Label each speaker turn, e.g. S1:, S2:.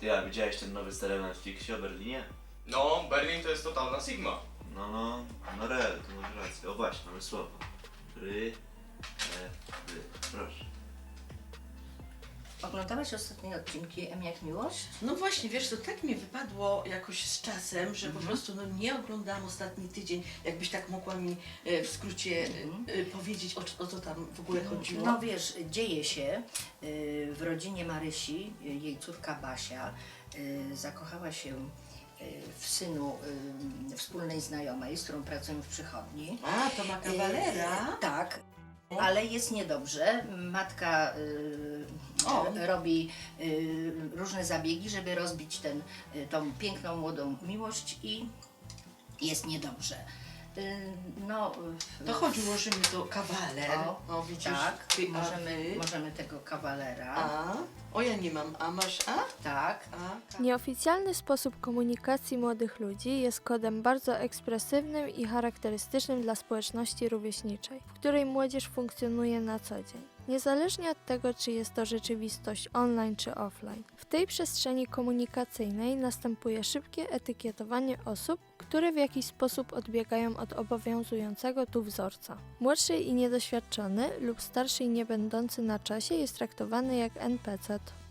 S1: Ty, a widziałeś ten nowy serial na Netflixie o Berlinie?
S2: No, Berlin to jest totalna Sigma.
S1: No rel, to masz rację. O właśnie, mamy słowo. Ry. Proszę.
S3: Oglądałaś ostatnie odcinki M jak miłość?
S4: No właśnie, wiesz, to tak mi wypadło jakoś z czasem, że po prostu nie oglądałam ostatni tydzień. Jakbyś tak mogła mi w skrócie powiedzieć, o co tam w ogóle chodziło?
S3: No wiesz, dzieje się w rodzinie Marysi, jej córka Basia zakochała się w synu wspólnej znajomej, z którą pracują w przychodni.
S4: A, to ma kawalera?
S3: Tak, ale jest niedobrze. Matka robi różne zabiegi, żeby rozbić tą piękną, młodą miłość i jest niedobrze.
S4: To chodziło, że mi to kawaler. O, widzisz,
S3: tak,
S4: ty,
S3: możemy tego kawalera.
S4: O, ja nie mam. A masz A?
S3: Tak.
S5: Nieoficjalny sposób komunikacji młodych ludzi jest kodem bardzo ekspresywnym i charakterystycznym dla społeczności rówieśniczej, w której młodzież funkcjonuje na co dzień. Niezależnie od tego, czy jest to rzeczywistość online czy offline. W tej przestrzeni komunikacyjnej następuje szybkie etykietowanie osób, które w jakiś sposób odbiegają od obowiązującego tu wzorca. Młodszy i niedoświadczony lub starszy i niebędący na czasie jest traktowany jak NPC.